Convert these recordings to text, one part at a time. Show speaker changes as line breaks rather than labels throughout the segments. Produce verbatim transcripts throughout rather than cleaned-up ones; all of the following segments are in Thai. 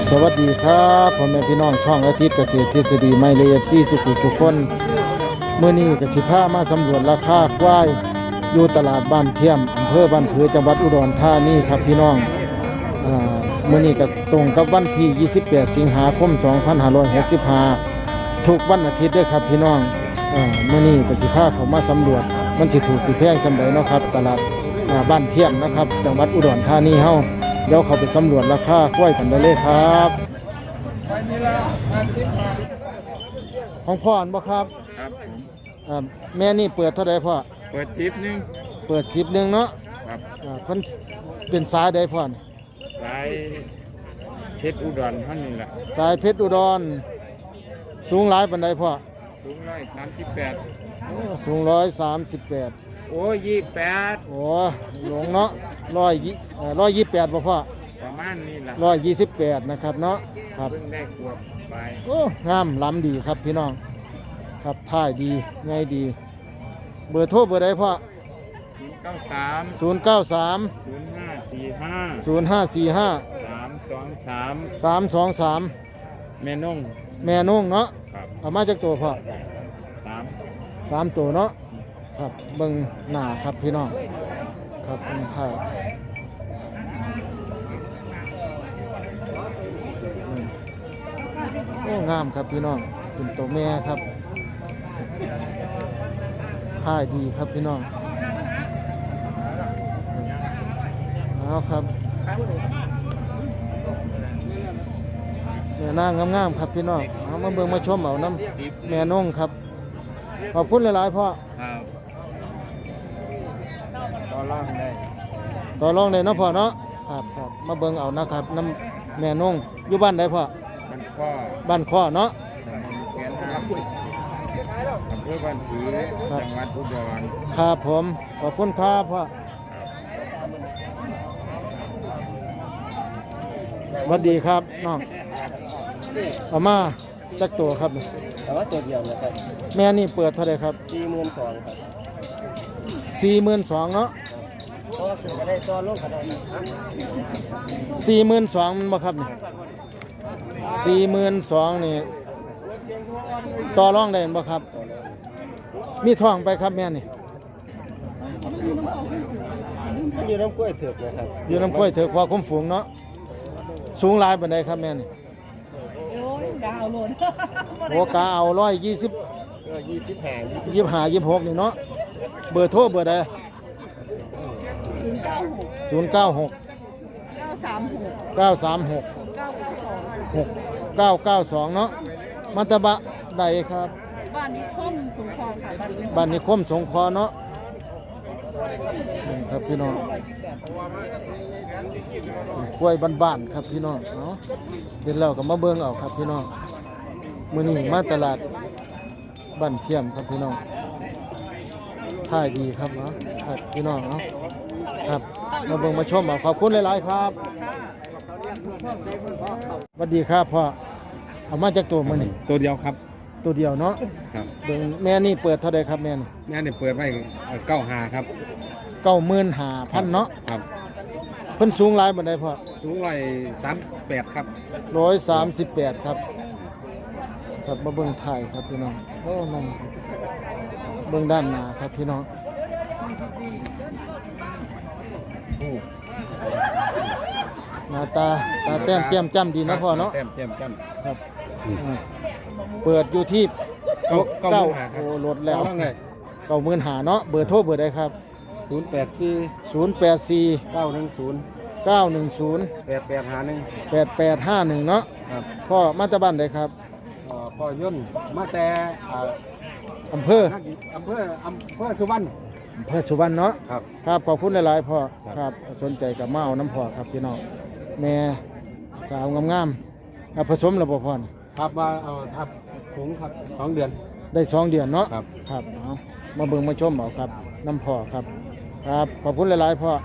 สวัสดีครับพ่อแม่พี่น้องช่องอาทิตย์เกษตรทฤษฎีไม่เลฟซีสุขุสุขคนเมื่อนี้กสิพามาสำรวจราคาควายอยู่ตลาดบ้านเทียมอำเภอบ้านผือจังหวัดอุดรธานีครับพี่น้องอ่าเมื่อนี้ก็ตรงกับวันที่ยี่สิบแปดสิงหาคมสองพันห้าร้อยหกสิบห้าทุกวันอาทิตย์ด้วยครับพี่น้องอ่าเมื่อนี้กสิพาเขามาสำรวจมันสิถูกสิแพงสำใดเนาะครับตลาดอ่าบ้านเทียมนะครับจังหวัดอุดรธานีเฮาเดี๋ยวเขาไปสำรวจราคาควายกันได้เลยครับของพ่ออันบ่ครับ
ครับผม
อ่าแม่นี่เปิดเท่าใดพ่อ
เปิดจิบนึง
เปิดสิบหนึ่งเนาะ
ครับ
อ่าเพิ่นเป็นสายใดพ่อนี่
สายเพชรอุดรท่านนี่แหละ
สายเพชรอุดรสูงหลายปานใดพ่อ
สูงร้อยสามสิบแปด
โอ้สูงร้อยสามสิบแปด
โอ้ยี่แปด
โอ้หลงเนาะร้อยยี่เอ่อร้อยยี่สิบแปดบ่พ่อ
ประมาณนี้แหละ
ร้อยยี่สิบแปดนะครับเนาะครับ
เพิ่งได้ขวบไป
โอ้งามล้ำดีครับพี่น้องครับท่ายดีไงดีเบอร์โทรเบอร์ใดพ่อ
ศูนย์เก้าสาม
ศูนย์เก้าสาม
ศูนย์ห้าสี่ห้า
ศูนย์ห้าสี่ห้า
สามสองสาม
สามสองสาม
แม่นุ่ง
แม่นุ่งเนาะ
ครับ
เอามาจากตัวพ่อ
สาม
สามตัวเนาะครับเบิ่งหน้าครับพี่น้องครับเป็นไทยโอ้งามครับพี่น้องเป็นตัวแม่ครับท่ายดีครับพี่น้องเอาครับแม่นางงามๆครับพี่น้องเอามาเบิ่งมาชมเอาน้ำแม่นุ่งครับขอบคุณหลายๆพ่อ
ครับต่อรองได้
ต่อรองได้เนาะพ่อเนาะครับครับมาเบิ่งเอานะครับน้ำแม่นุ่งอยู่บ้านใดพ่อ
บ้านข้อ
บ้านข้อเนาะ
ตำบลแกนห้าอำเภอบ้านผือจังหวัดอุดร
ครับผมขอบคุณครับพ่อสวัสดีครับน้องเอามาจักตัวครับ
แต่ว่าตัวเดียวนะครับ
แม่นี่เปิดเท่าไหร่ครับ
สี่หมื่นสองครับ
สี่หมื่นสองเนาะ
ก็คือก็ได้ตัวลงขนาด
สี่หมื่นสองมันบ่ครับนี่สี่หมื่นสองนี่ต่อรองได้บ่ครับมีทองไปครับแม่นี่
อยู่น้ำกล้วยเถือกนะครับ
อยู่น้ำกล้วยเถือกพอคุ้มฝูงเนาะสูงหลายปานใดครับแม่นี่
ดาวโลน
โอ้กาเอาร้อยยี่สิบ
ยี่สิบห้า
ยี่สิบห้ายี่สิบหกนี่เนาะเบอร์โทรเบอร์ใดศูนย์เก้าหก
เก้าสามหก
เก้าสามหก
เก้าเก้าสอง
หกเก้าเก้าสองเนาะมันตะบะใดครับ
บ้านนิคมสงขลาค่ะ
บ้านนิคมสงขลาเนาะครับพี่น้องกล้วยบ้านๆครับพี่น้องเนาะเห็นแล้วก็มาเบิ่งเอาครับพี่น้องมื้อนี้มาตลาดบ้านเทียมครับพี่น้องท่ายดีครับเนาะครับพี่น้องเนาะครับมาเบิ่งมาชมเอาขอบคุณหลายๆครับสวัสดีครับพ่อเอามาจากตัวมื้อนี้
ตัวเดียวครับ
ตัวเดียวเนาะ
ครับ
เบิ่งแม่นี่เปิดเท่าใดครับแม่นี่
แม่นี่เปิดไว้เก้าห้าครับ
เก้าหมื่นห้าพันเนาะ
ครับ
เพิ่นสูงหลายปานใดพ่อ
สูงร้อยสามแปดครับ
ร้อยสามสิบแปดครับครับมาเบิ่งถ่ายครับพี่น้องโอ้นมเบิ่งด้านหน้าครับพี่น้องหน้าตาตาแต้มแก้มจ้ำดีนะพ่อเนาะ
แต้มแก้มจ้
ำครับเปิดอยู่ที่
เก้าเก้า
โอ้ลดแล้วเก้าหมื่นห้าเนาะเบอร์โทรเบอร์ใดครับ
ศูนย์แปดสี่
ศูนย์แปดสี่
เก้าหนึ่งศูนย์
เก้าหนึ่งศูนย์
แปดแปดห้าหนึ่ง
แปดแปดห้าหนึ่งเนาะพ่อมาจากบ้านใดครับ
พ่อย่นมาแต่
อำเภอ
อำเภออำเภอสุวรรณ
อำเภอสุวรรณเนาะ
ครับ
ครับขอบคุณหลายๆพ่อครับสนใจกับมาเอาน้ำพ่อครับพี่น้องแม่สาวงามๆผสมระบบพ่อ
ครับมาเอาทับถุงครับสองเดือน
ได้สองเดือนเนาะ
ครับ
ครับเอามาเบิ่งมาชมเอาครับน้ำพ่อครับครับขอบคุณหลายๆพ่อ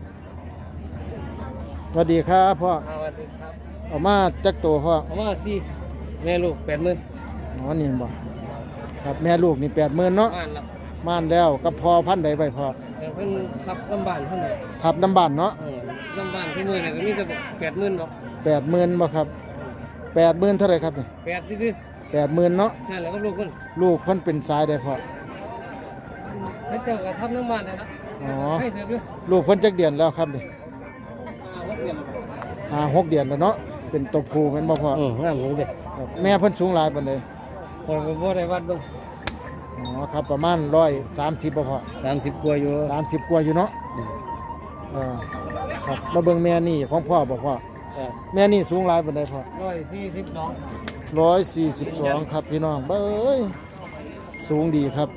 สวัสดีครับพ่อ
สวัสดีครับ
เอามาจักตัวพ่อ
เอามาสี่แม่ลูกแปดหมื่น
อ๋อนี่บ่ครับแม่ลูกนี่แปดหมื่นเนาะม่านแล้วกับพอพันใดไปพ่อ
เพิ่นทับน้ำบานเท่าไหร่
ทับน้ำบานเนาะ
น้ำบานที่มือเนี่ยก็มีแต่แปดหมื่นหรอก
แปดหมื่นบ่ครับแปดหมื่นเท่าไหร่ครับนี่
แปดซื่อ
แปดหมื่นเนาะ
ๆนั่นแหละก็ลูกคน
ลูกเพิ่นเป็นสายได้พอ
ให้เจ้าก็ทำน้ำมันนะนะ
อ๋อ
ให้เถอะด้วย
ลูกเพิ่นจักเดือนแล้วครับนี่
อ่าวัดเปลี่ยน
อ่าหกเดือนแล้วเนาะเป็นตัวผู้แม่นบ่พอ
อืมงามเลยเด็ก
ครับแม่เพิ่นสูงหลายปานใด
พอบ่ได้วัดลง
อ๋อครับประมาณร้อยสามสิบบ่พอ
สามสิบกว่าอยู่
สามสิบกว่าอยู่เนาะอ่าครับมาเบิ่งแม่นี่ของพ่อบ่พ่อแม่นี่สูงหลายปานใดพ่อ
ร้อยสี่สิบสอง
ร้อยสี่สิบสองครับพี่น้องเบ้ยสูงดีครับ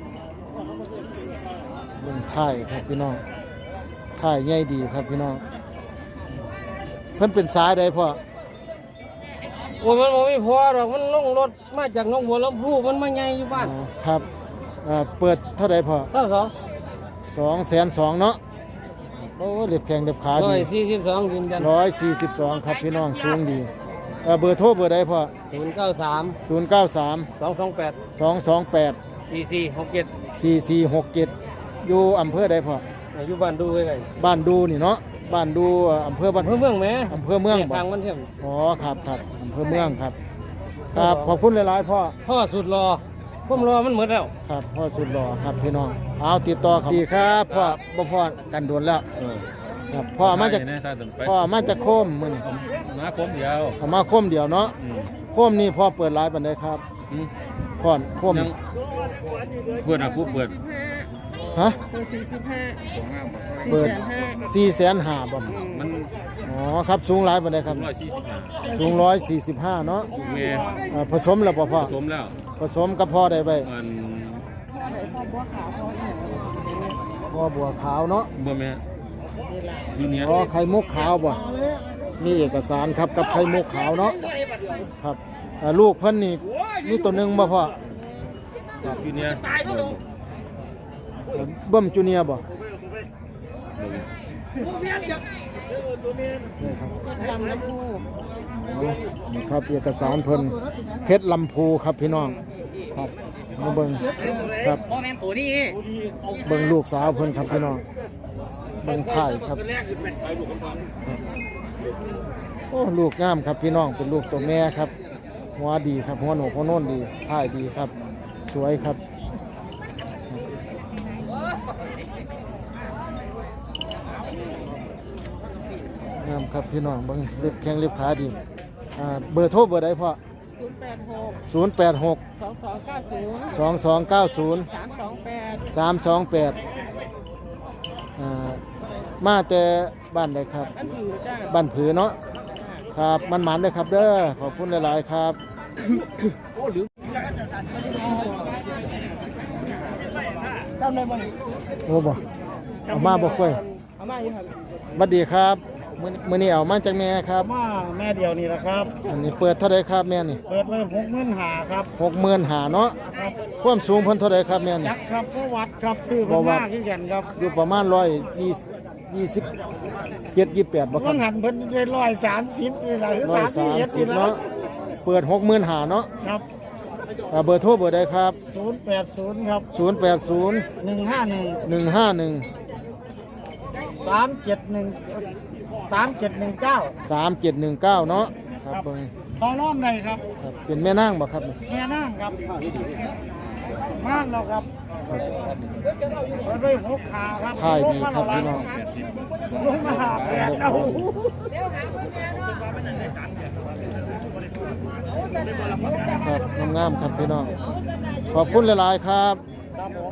เบิ่งท้ายครับพี่น้องท้ายใหญ่ดีครับพี่น้องเพิ่นเป็นสายใดพ่อ
โอ้ยมันบ่มีพอหรอกมันลงรถมาจากหนองบัวลำพูมันมาใหญ่อยู่บ้าน
อ๋อครับอ่าเปิดเท่าใดพ่อ
เศร้าสอง
สองแสนสองเนาะโอ้เล็บแข้งเล็บขา
ร้อ
ดี
ยสี่สิบสองยืนยัน
ร้อยสี่สิบสองครับพี่น้องสูงดีเอ่อเบอร์โทรเบอร์ใดพ่อ
ศูนย์เก้าสาม
ศูนย์เก้าสาม
สองสองแปด
สองสองแปด
สี่สี่หกเจ็ด
สี่สี่หกเจ็ดอยู่อำเภอใดพ่อ
อยู่บ้านดูไว้ไง
บ้านดูนี่เนาะบ้านดูเอ่ออำเภอบ้าน
เพื่อเมืองแหม่
อำเภอเมืองบ่
ทางมันเทียม
อ๋อครับครับอำเภอเมืองครับครับขอบคุณหลายๆพ่อ
พ่อสุดรอผมรอมันหมดแล้ว
ครับพ่อสุดหล่อครับพี่น้องเอาติดต่อครับดีครับพ่อบ่พ่อกันโดนแล้วครับพ่อมาจาก
เนี่ยถ้าถึงไป
พ่อมาจากโคมมื้อนี้
มาคมเดียว
เอามาโคมเดียวเนาะ
อืม
โคมนี่พ่อเปิดร้านปันไดครับ
อืม
พ่อนโคม
ยังเปิดอ่ะผู้เปิด
ฮะ
เบอร์สี่สิบห้า
เปิด
สี่แสนห้า
สี่แสนห้าบ่
มัน
อ๋อครับสูงหลายปันไดครับ
ร้อยสี่สิบห้า
สูงร้อยสี่สิบห้าเนาะ
ลูกเมย์
อ่าผสมแล้วบ่พ่อ
ผสมแล้ว
ผสมกับพ่อได้ไป
มัน
พ่อบัวขาวเนาะ
บ่แม่ยูเนีย
อ๋อไข่มุกขาวบ่มีเอกสารครับกับไข่มุกขาวเนาะครับอ่าลูกเพิ่นนี่มีตัวหนึงบ่พ่อ
ยูเนีย
เบิ่มจูเนียร์บ่นี่ครับ
ลำน้ำพู
เอานี่ครับเอกสารเพิ่นเพชรลำพูครับพี่น้องครับมาเบิ่งครับ
พ่อแม่ตัวนี้
เบิ่งลูกสาวเพิ่นครับพี่น้องเบิ่งถ่ายครับโอ้ลูกงามครับพี่น้องเป็นลูกตัวแม่ครับหัวดีครับหัวโหนกหัวโน่นดีถ่ายดีครับ สวยครับงามครับพี่น้องเบิ่งเล็บแข้งเล็บขาดีอ่าเบอร์โทรเบอร์ใดพ่อ
ศูนย์แปดหก
ศูนย์แปดหก
สองสองเก้าศูนย์
สองสองเก้าศูนย์
สามสองแปด
สามสองแปดอ่ามาแต่บ้านใดครับ
อันอยู่จ้า
บ้านผือเนาะครับมันหมันเลยครับเด้อขอบคุณหลาย ๆ ครับโอ้บ่เอามาบ่ค่อย
เอามาอยู่ครับ
บัดดีครับมื้อมื้อนี้เอามาจากแม่ครับ
มาแม่เดียวนี่แหละครับ
อันนี้เปิดเท่าใดครับแม่นี่
เปิดไว้หกเงินหาครับ
หกหมื่นหาเนาะความสูงเพิ่นเท่าใดครับแม่นี่
จักครับผู้วัดครับซื้อ
บ่
เพิ่น
วั
มา
ด
ขึ้นกันครับ
อยู่ประมาณร้อยยี่สิบยี่สิบเจ็ดยี่สิบแปดบ่ครั
เพิ่
บ
งหันเพิ่นได้ร้อยสามสิบนี่แหละคือ
ร้อ
สาย มสิบ
สาม
เอ็ด
สิ
นี่
บ
แหละ
เนาะเปิดหกหมื่นหาเนาะ
ครับ
อ่าเบอร์โทรเบอร์ใดครับ
ศูนย์แปดศูนย์ครับ
ศูนย์แปดศูนย์
หนึ่งห้าหนึ่ง
หนึ่งห้าหนึ่ง
สามเจ็ดหนึ่งสามเจ็ดหนึ่งเก้า
สามเจ็ดหนึ่งเก้าเนาะครับเบิ่ง
ต่อรอบใดครับ
ครับเป็นแม่นางบ่ครับ
แม่นั่งครับมากแล้วครับเปิดไว้หกขาครับ
ถ่ายดีครับพี่น้อง
ลงมาหาแปดเอา
ครับงามๆครับพี่น้องขอบคุณหลายๆครับ
ครับผม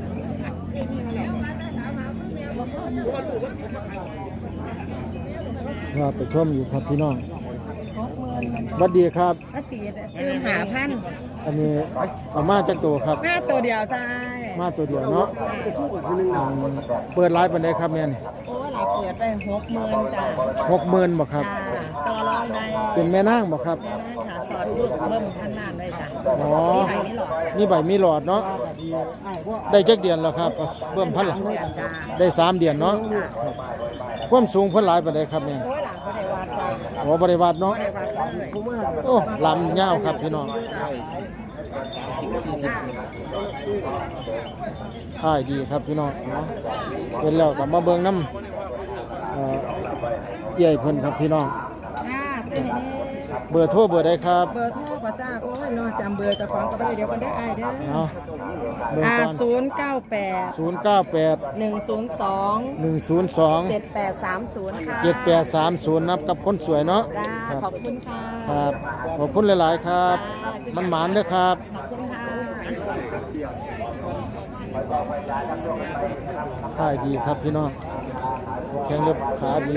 ครับไปชมอยู่ครับพี่น้องสวัสดีครับ
อาตีคือหาพัน
อันนี้เอามาจากตัวครับ
หน้าตัวเดียวจ้า
มาตัวเดียวเนาะอืมเปิดไลฟ์ปันไดครับแม่น
โอ้หลายเปิดไปหกหมื่นจ้า
หกหมื่นบ่ครับ
จ้าตัวรองได้
เป็นแม่นางบ่ครับ
แม่นั่งหาสอนลูกเบิ่มพันนานได้จ้ะ
อ๋อ
มีใครนี่หรอ
นี่ใบมีหลอดเนาะได้จักเดือนแล้วครับเบิ่มพันหลัง
เดือนจ้า
ได้สามเดือนเนาะครับความสูงเพิ่นหลายปานใดครับแม่น
โอ้ยหลังก็ได้วัดจ้า
โอ้บ่ได้วัดเนาะ
ได้วัดเลย
โอ้ลำยาวครับพี่น้องถ่ายดีครับพี่น้องเนาะเป็นแล้วก็มาเบิ่งน้ำเอ่อใหญ่เพิ่นครับพี่น้อง
จ้าสซื้อให้แน่
เบอร์โทรเบอร์ใดครับ
เบอร์โทรป่ะจ้าโอ้ยนอจำเบอร์เจ้าของก็ได้เดี๋ยวกันได้อายเด้อ
เอาเบอร์
อ่า
ก่อน
ศูนย์เก้าแปด
ศูนย์เก้าแปด
หนึ่งศูนย์สอง
หนึ่งศูนย์สอง
เจ็ดแปดสามศูนย์ค่ะ
เจ็ดแปดสามศูนย์นับกับคนสวยเนาะ
จ้า
ครับ
ขอบคุณค่ะ
ครับขอบคุณหลาย ๆ ครับ มันหมานเด้อครับ
ขอบคุณค่ะ
ท่ายดีครับพี่น้องแข็งเล็บขาดี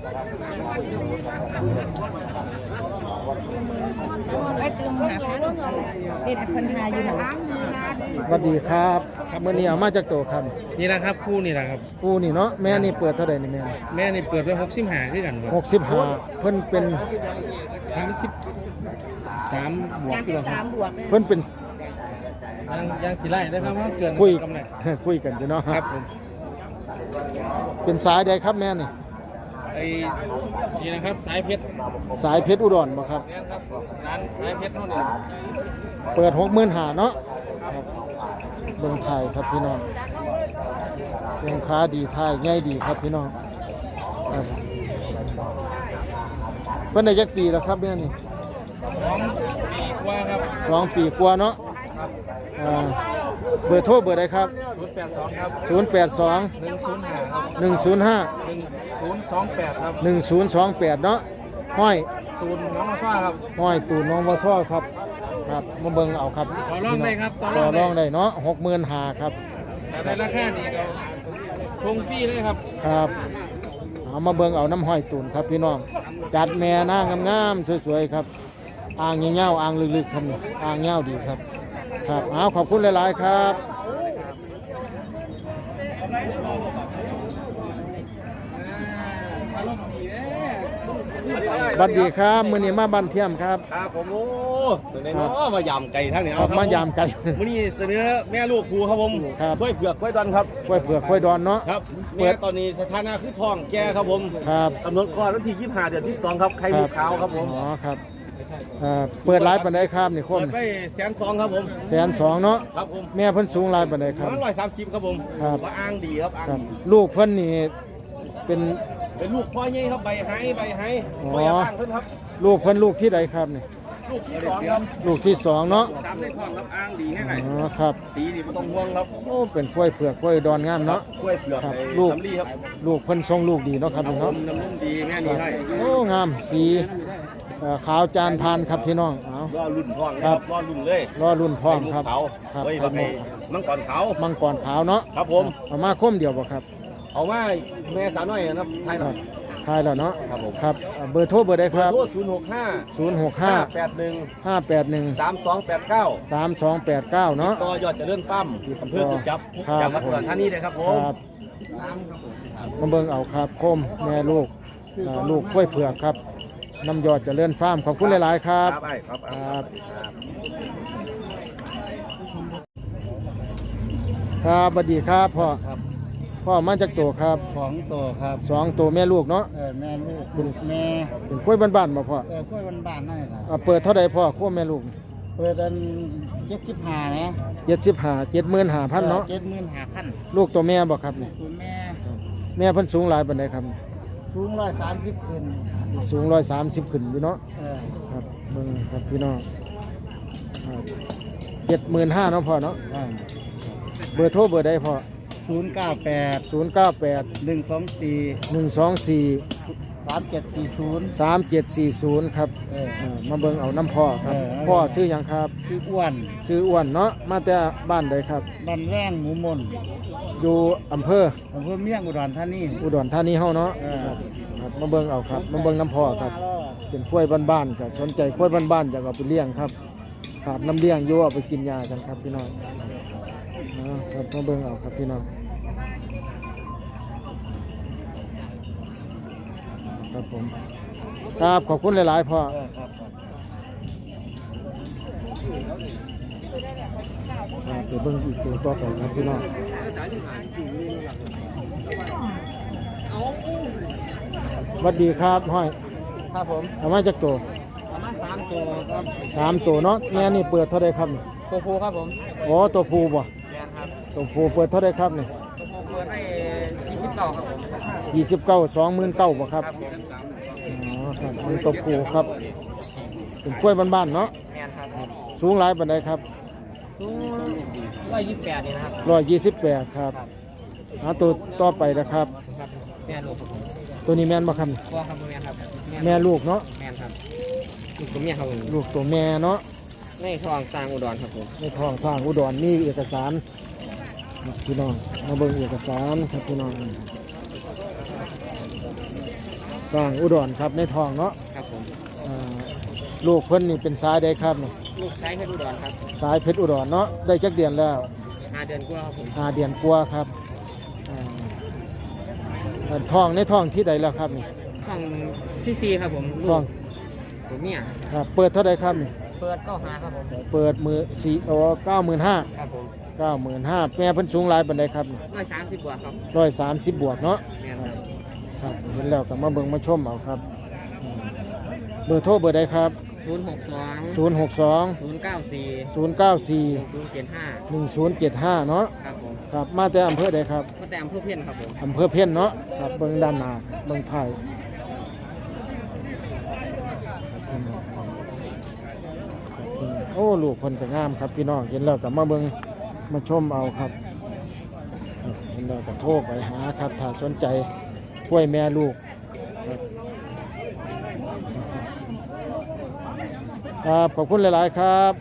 ไว้ตืมหาพันเด็ดพันหาอยู่หนัง
สวัสดีครับเมื่อนี้เอามาจากโตครับ
นี่นะครับคู่นี่นะครับ
กูนี่เนาะแม่นี่เปิดเท่าไหร่นี่แม่
แม่นี่เปิดไว้หกสิบห้าคือกันครับ
หกสิบห้าเพิ่นเป็น
สามสิบสามบวก
งาน
ที่
ที่
เรา
สามบวกเลย
เพิ่นเป็น
ยังยังกี่ไร่ได้ครับว่าเกิน
คุย
กำไร
คุยกันอยู่เนาะ
ครับผม
เป็นสายใดครับแม่นี่
ไอ้นี่นะครับสายเพชร
สายเพชรอุดรบ่ครับ
นี่ครับร้านสายเพชรเท่านี้
เปิดหกหมื่นห้าเนาะครับเบิ่งไทยครับพี่น้องเบิ่งค้าดีไทยใหญ่ดีครับพี่น้องครับเพิ่นได้จักปีแล้วครับแม่นี่
สองปีกว่าครับ
สองปีกว่าเนาะอ่าเบอร์โทรเบอร์ใดครับ
ศูนย์แปดสองครับ
ศูนย์แปดสอง
หนึ่งศูนย์ห้าครับ
หนึ่งศูนย์ห้า
หนึ่งศูนย์สองแปดครับ
หนึ่งศูนย์สองแปดเนาะห้อย
ตูนน้องมาซ่าครับ
ห้อยตูนน้องวอซ้อครับครับมาเบิ่งเอาครับ
ต่อรองได้ครับต่
ต่
อ
อ
รองได้
รองได้เนาะหกหมื่นห้าครับ
แต่ในราคานี้เราคงฟรีเลยครับ
ครับเอามาเบิ่งเอาน้ำห้อยตูนครับพี่น้องจัดแม่หน้างามๆสวยๆครับอ่างเงี้ยวๆอ่างลึกๆครับนี่อ่างเงี้ยวดีครับครับเอาขอบคุณหลายๆครับสวัสดีครับมื้อนี้มาบ้านเทียมครับ
ครับผมโอ้ตัวไหนเนาะมายำไก่ทั้งนี้
ออกมายามไก่
มื้อนี้เสนอแม่ลูกครูครับผม
ครับ
กล้วยเผือกกล้วยดอนครับ
กล้วยเผือกกล้วยดอนเนาะ
ครับ
เปิ
แม่
ด
ตอนนี้สถานะคือท้องแก่ครับผม
ครับ
กำหนดคลอดวันที่ยี่สิบห้าเดือนที่สองครับไข่มุกขาวครับผม
อ๋อครับเอ่อเปิดร้านปันไดครับนี่ค
เปิ
น
ดไปแสนสองครับผม
แสนสองเนาะ
ครับผม
แม่เพิ่นสูงร้านปันไดครับ
ร้อยสามสิบครับผม
ครับ
ว่าอ้างดีครับอ้าง
ครับ
ดี
ลูกเพิ่นนี่เป็น
เป็นลูกพ่อใหญ่ครับใบไห้ใบไห้
อ๋อ
พ่ออยากอ้างเพิ่นครับ
ลูกเพิ่นลูกที่ใดครับนี่
ลูกที่สองครับ
ลูกที่สองเนาะ
สามในท้องครับอ้างดีแค่ไหน
อ๋อครับ
สีนี่ไม่ต้องห่วงครับ
โอ้เป็นกล้วยเผือกกล้วยดอนงามเนาะ
กล้วยเผือก
ครับ
ใน
ลูก
สำลีครับ
ลูกเพิ่นทรงลูกดีเนาะครับ
ครับ
พี่
ผ
เนาะ
มน้ำนุ่มดีแม่นี่ให้
โอ้งามสีเอ่อขาวจานพานครับพี่น้องเอา
รอรุ่นท้องนะ
ค
ค
รั
รับ บรอรุ่นเลย
รอรุ่นพร้อมครับ
ไข่มุกขาว
ครับ
เฮ้ย
ไข่
ว่าไง
มุก
มังกรขาว
มังกรขาวเนาะ
ครับผม
เอามาคมเดียวบ่ครับ
เอามาแม่สาวน้อยนะครับไทย
ค
ค
รั
รั
บบ ทายแล้วเนาะ
ครับผม
ครับเอ่อเบอร์โทรเบอร์ใดครับ
โทรศูนย์หกห้า
ศูนย์หกห้า
แปดหนึ่ง
ห้าแปดหนึ่ง
สามสองแปดเก้า
สามสองแปดเก้าเนาะ
ต่อยอดเจะเลื่อนปั้มอำเภอกุดจับ
ครับ
จังหวัดอุดรธานีเลยครับผ
ค
ม
รับมาเบิ่งเอาครับคมแม่ลูกอ่าลูกกล้วยเผือกครับน้ำยอดเจะเลื่อนฟาร์มขอบคุณหลาย ๆ ครับ
ไอ้ครับ
ครับ ครับสวัสดีครับพ่อ
ครับ
พ่อมาจากตัวครับ
ของตัวครับ
สองตัวแม่ลูกเนาะ
เออแม่ลูกลูกแม่
เป็นกล้วยบ้านๆมาพ่อ
เออกล้วยบ้านๆนั่นแหละ
อ่าเปิดเท่าใดพ่อขั้วแม่ลูก
เปิดอันเจ็ดสิบห้านะ
เจ็ดสิบห้าเจ็ดหมื่นห้าพันเนาะ
เจ็ดหมื่นห้าพัน
ลูกตัวแม่บอกครับนี่
คุณแม่
แม่เพิ่นสูงหลายปานใดครับ
สูงร้อยสามสิบขึ้น
สูงร้อยสามสิบขึ้นอยู่เนาะ
เออ
ครับเบิ่งครับพี่น้องเจ็ดหมื่นห้าเนาะพ่อเนาะเบอร์โทรเบอร์ใดพ่อ
ศูนย์เก้าแปด
ศูนย์เก้าแปด
หนึ่งสองสี่
หนึ่งสองสี่
สามเจ็ดสี่ศูนย์
สามเจ็ดสี่ศูนย์ครับ
เออ
อ่ามาเบิ่งเอาน้ำพ่อครับ
เออ
พ่อชื่อหยังครับ
ชื่ออ้วน
ชื่ออ้วนเนาะมาแต่บ้านใดครับ
บันแร่งหมูมน
อยู่อำเภอ
อำเภอเมียงอุดรธานี
อุดรธานีเฮาเนาะ
เออ
ครับมาเบิ่งเอาครับมาเบิ่งน้ำพ่อครับ เป็นกล้วยบ้านๆครับสนใจกล้วยบ้านๆอยากเอาไปเลี้ยงครับขาดน้ำเลี้ยงอยู่เอาไปกินยากันครับพี่น้องอ่าครับมาเบิ่งเอาครับพี่น้องครับผมครับขอบคุณหลายๆพ่อ
เออครับครับ
อ่าไปเบิ่งอีกตัวต่อไปครับพี่น้องสวัสดีครับห้อย
ครับผม
เอามาจากตัว
ประมาณสามตัวครับ
สามตัวเนาะแม่นี่เปิดเท่าไรครับนี่
ตัวผู้ครับผม
อ๋อตัวผู้บ่
แมนครับ
ตัวผู้เปิดเท่าไรครับนี่
ตัวผู้เปิดให้ยี่สิบเก้าครับผม
ยี่สิบเก้าสองหมื่นเก้าบ่ครับ
ครับผม
อ๋อคครับเป็นตัวผู้ครับเป็นกล้วยบ้านๆเนาะ
แม่นครับ
สูงหลายปานใดครับ
สูงร้อยยี่สิบแปดนี่นะครับ
ร้อยยี่สิบแปดครับหาตัวต่อไปนะครับ
ครับแม่ลูกครับผม
ตัวนี้แม่นบ่ครับ
พ่อครับแม่ครับ
แม่ลูกเนาะ
แม่ครับลูกตัวเมียครับผม
ลูกตัวแม่เนาะ
ในทองสร้างอุดรครับผม
ในท้องสร้างอุดรมีเอกสารพี่น้องมาเบิ่งเอกสารครับพี่น้องสร้างอุดรครับในท้องเนาะ
ครับผม
อ่าลูกเพิ่นนี่เป็นสายใดครับนี่
ลูกชายเพชรอุดรครับ
สายเพชรอุดรเนาะได้จักเดือนแล้ว
ห้าเดือนกว่าครับผม
หาเดือนกว่าครับอ่าอ่าท้องในท้องที่ใดแล้วครับนี่
ห้องที่สี่ครับผมลู
ท้อก ง
ตัวเมีย
ครับเปิดเท่าใดครับนี่
เปิดเก้าหาครับผม
เปิดมือสี่โอ้เก้าหมื่นห้า
ครับผม
เก้าหมื่นห้าแม่เพิ่นสูงหลายปานใดครับ
ร้อยสามสิบบวกครับ
ร้อยสามสิบบวกเนาะ
แม่ครับ
ครับเห็นแล้วก็มาเบิ่งมาชมเอาครับอืมเบอร์โทรเบอร์ใดครับ
ศูนย์หกสอง
ศูนย์ หก สอง
ศูนย์เก้าสี่
ศูนย์ เก้า สี่
ศูนย์เจ็ดห้า
หนึ่ง ศูนย์ เจ็ด ห้า เนาะ
ครับผม
ครับมาแต่อำเภอใดครับ
ก็แต่อำเภอเพี้ยนครับผม
อำเภอเพี้ยนเนาะครับเบิ่งด้านหน้าเบิ่งไทยโอ้ลูกเพิ่นก็งามครับพี่น้องเห็นแล้วก็มาเบิ่งมาชมเอาครับครับเห็นแล้วก็โทรไปหาครับถ้าสนใจกล้วยแม่ลูกครับครับขอบคุณหลาย ๆ ครับ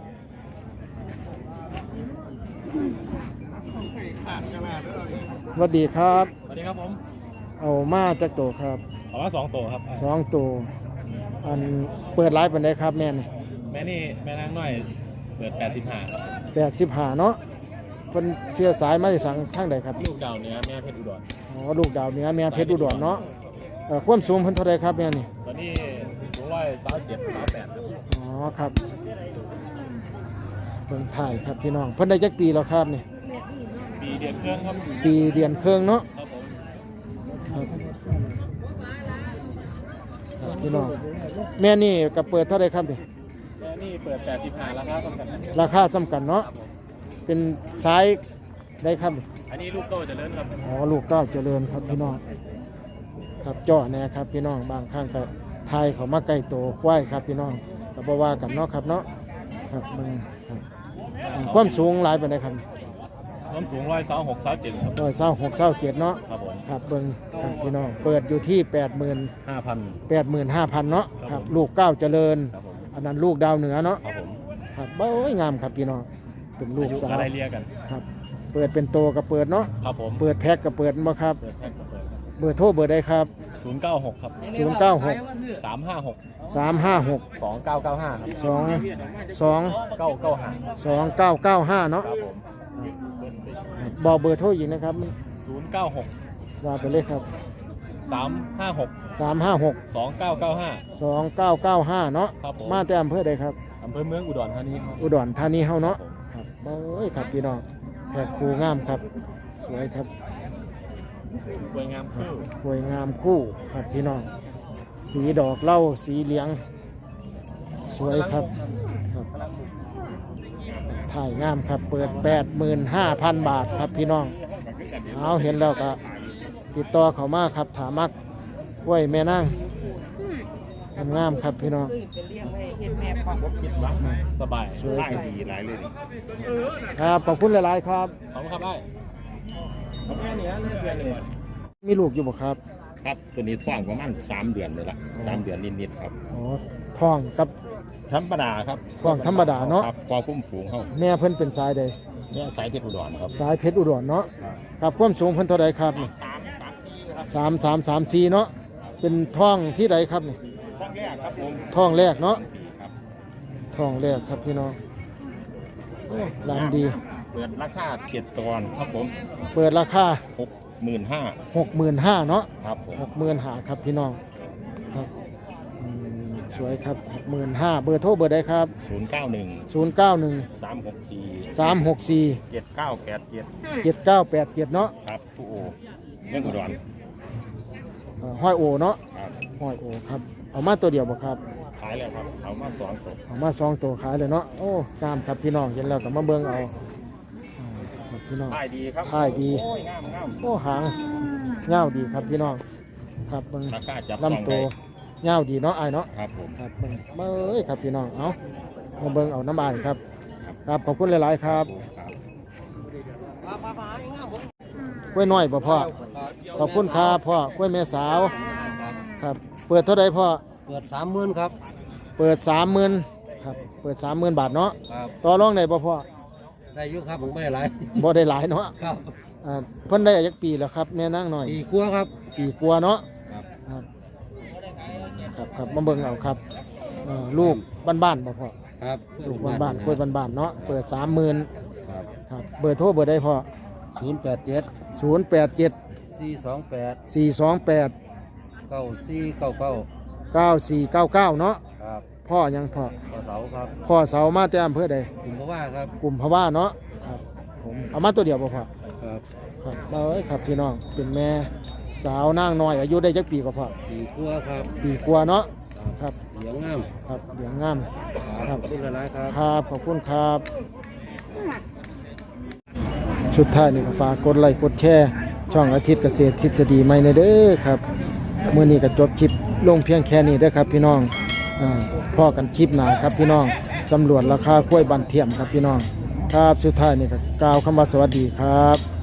สวัสดีครับ
สวัสดีครับผม
เอามาจากโตครับ
เอามาสองตัวครับ
สองตัวอันเปิดไลฟ์เป็นไดครับแม่นี่
แม่นี่แม่นางน้อยเปิดแปดสิบห้าครับ
แปดสิบห้าเนาะเป็นเชื้อสายมาจากสังข้างใดครับ
ลูกดาวเนื้อแม่เพชรอุดร
อ๋อลูกดาวเหนือแม่เพชรอุดรเนาะเอ่อความสูงเพิ่นเท่าไรครับแม่นี่
ตอนนี้สูงร้อยสามเจ็ดสามแปดครับ
อ๋อครับเพิ่นถ่ายครับพี่น้องเพิ่นได้จักปีแล้วครับนี่
ปีเดือนเครื่องครับ
ปีเดือนเครื่องเนาะ
ครับผม
ครับครับพี่น้องแม่นี่ก็เปิดเท่าไรครับนี่
แม่นี่เปิดแปดสิบห้าราคาสำคัญครับ
ราคาสำคัญเนาะเป็นสายได้ครับนี่
อันนี้ลูกโตเจะเลิ่นครับ
อ๋อลูกเก้าวเจริญครับพี่น้องครับจ่อแน่ครับพี่น้องบางครั้งก็ทายเขามาใกล้โตควายครับพี่น้องก็บ่ว่ากันเนาะครับเนาะครับมึงครับความสูงหลายปานใดครับ
น้ำสูงร้อยสามหกสามเจ็ดครับ
ร้อยเศร้าหกเศร้าเจ็ดเนาะ
ครับผม
ครับเบิ่งครับพี่น้องเปิดอยู่ที่แปดหมื่น
ห้าพัน
แปดหมื่นห้าพันเนาะ
ครับ
ครับลูกเก้าวเจริญ
ครับผม
อันนั้นลูกดาวเหนือเนาะ
ครับผม
ครับเบ้ยงามครับพี่น้องเป็นลู
อาก ยุ
สาว
อะไรเรียกัน
ครับเปิดเป็นโตกับเปิดเนาะ
ครับผม
เปิดแพ็กกับเปิดบ่ครับ
เปิดแพ็คกับเปิด
เบอร์โทรเบอร์ใดครับ
ศูนย์เก้าหกครับ
ศูนย์เก้าหก
สามห้าหก
สามห้าหก
สองเก้าเก้าห้าครับ
สองสอง
เก้าเก้าห้า
สองเก้าเก้าห้าเนาะ
ครับผม
บอกเบอร์โทรอีกนะครับ
ศูนย์เก้าหก
ว่าไปเลยครับ
สามห้าหก
สามห้าหก
สองเก้าเก้าห้า
สองเก้าเก้าห้าเนาะ
ครับผม
มาแต่อำเภอใดครับ
อำเภอเมืองอุดรธานีครับ
อุดรธานีเฮาเนาะครับโอ้ยครับพี่น้องแขกครูงามครับ สวยครับ
สวยงามคู่
สวยงามคู่ครับพี่น้องสีดอกเหล้าสีเหลือง สวยครับครับถ่ายงามครับเปิด แปดหมื่นห้าพัน บาทครับพี่น้องเอาเห็นแล้วก็ติดต่อเขามาครับถามักกล้วยแม่นางงามๆครับพี่น้อง
เป็นเลี้ยงไว้เฮ็ดแม่พ่อ
สบาย
สวยครับ
ดีหลายเลย
ครับขอบคุณหลายๆครับ
ขอบคุณครับไอ้
มีลูกอยู่บ่ครับ
ครับตัวนี้ท้องประมาณสามเดือนเลยละสามเดือนนิดๆครับ
อ๋อท้องกับ
ธรรมดาครับ
ท้องธรรมดาเนาะ
ครับความพุ่มสูงเขา
แม่เพิ่นเป็นสายใด
เนี่ยสายเพชรอุดรครับ
สายเพชรอุดรเนาะครับความสูงเพิ่นเท่าใดครับ
สามสามสี่ครับ
สามสามสามสี่เนาะเป็นท้องที่ใดครับนี่
ท้องแรกครับผม
ท้องแรกเนาะ
ครับ
ท้องแรกครับพี่น้องโอ้ลำดี
เปิดราคาเจ็ดตอนครับผม
เปิดราคา
หกหมื่นห้า
หกหมื่นห้าเนาะ
ครับผม
หกหมื่นห้าครับพี่น้องครับอืมสวยครับหกหมื่นห้าเบอร์โทรเบอร์ใดครับ
ศูนย์เก้าหนึ่ง
ศูนย์เก้าหนึ่ง
สามหกสี่
สามหกสี่
เจ็ดเก้าแปดเจ็ด
เจ็ดเก้าแปดเจ็ดเนาะ
ครับผู้โอเรื่องอุดร
เอ่อห้อยโอเนาะ
ครับ
ห้อยโอครับเอามาตัวเดียวบ่ครับ
ขายแล้วครับเอามาสองตัว
เอามาสองตัวขายเลยเนาะโอ้งามครับพี่น้องเห็นแล้วก็มาเบิ่งเอาอ่าครับพี่น้อง
ขายดีครับ
ขายดี
โอ้ยงามงาม
โอ้หางเงาวดีครับพี่น้องครับเบิ่ง
ราคาจับต้อง
ลำตั
ได้
วยาวดีเนาะอ้ายเนาะ
ครับผม
ครับเบิ่งเอ้ยครับพี่น้องเอามาเบิ่งเอาน้ำอ้ายครับครับขอบคุณหลายๆครับกล้วยน้อยบ่พ่อขอบคุณครับพ่อกล้วยแม่สาวครับเปิดเท่าใดพ่อ
เปิดสามหมื่นครับ
เปิดสามหมื่นครับเปิดสามหมื่นบาทเนาะ
ครับ
ต่อรองได้บ่พ่อ
ได้อยุครับผมไม่ได้หลาย
บ่ได้หลายเนาะ
ครับ
อ่าเพิ่นได้อายักปีแล้วครับแม่นางหน่อย
ปีกลัวครับ
ปีกว่าเนาะ
ครับ
ครับครับครับมาเบิ่งเอาครับเอ่อลูกบ้านๆบ่พ่อ
ครับ
ลูกบ้านๆกล้วยบ้านๆเนาะเปิดสามหมื่น
ครับ
ครับเบอร์โทรเบอร์ได้พ่อ
ศูนย์แปดเจ็ด
ศูนย์แปดเจ็ด
สี่สองแปด
สี่สองแปด
เก้าสี่เก้าเก้า
เก้าสี่เก้าเก้าเนาะ
ครับ
พ่อยังพ่อ
ต่อเสาครับ
พ่อเสามาแต่อำเภอใด
ผมก็ว่าครับ
กลุ่มพะว่าเนาะครับผมเอามาตัวเดียวบ่พ่อ
ครับ
ครับเอ้ยครับพี่น้องเป็นแม่สาวนางน้อยอายุได้จักปีก็พ่อ
ปีกลัวครับ
ปีกว่าเนาะครับ
เหลืองงาม
ครับเหลืองงามครับ
ขอบคุณหลายๆครับ
ครับขอบคุณครับ ชุดท้ายนี่ก็ฝากกดไลค์กดแชร์ช่องอาทิตย์เกษตรทฤษฎีใหม่ในเด้อครับมื้อนี้ก็จบคลิปลงเพียงแค่นี้เด้อครับพี่น้องอ่าพอกันคลิปหน้าครับพี่น้องสำรวจราคากล้วยบันเทียมครับพี่น้องครับสุดท้ายนี่ก็กล่าวคำว่าสวัสดีครับ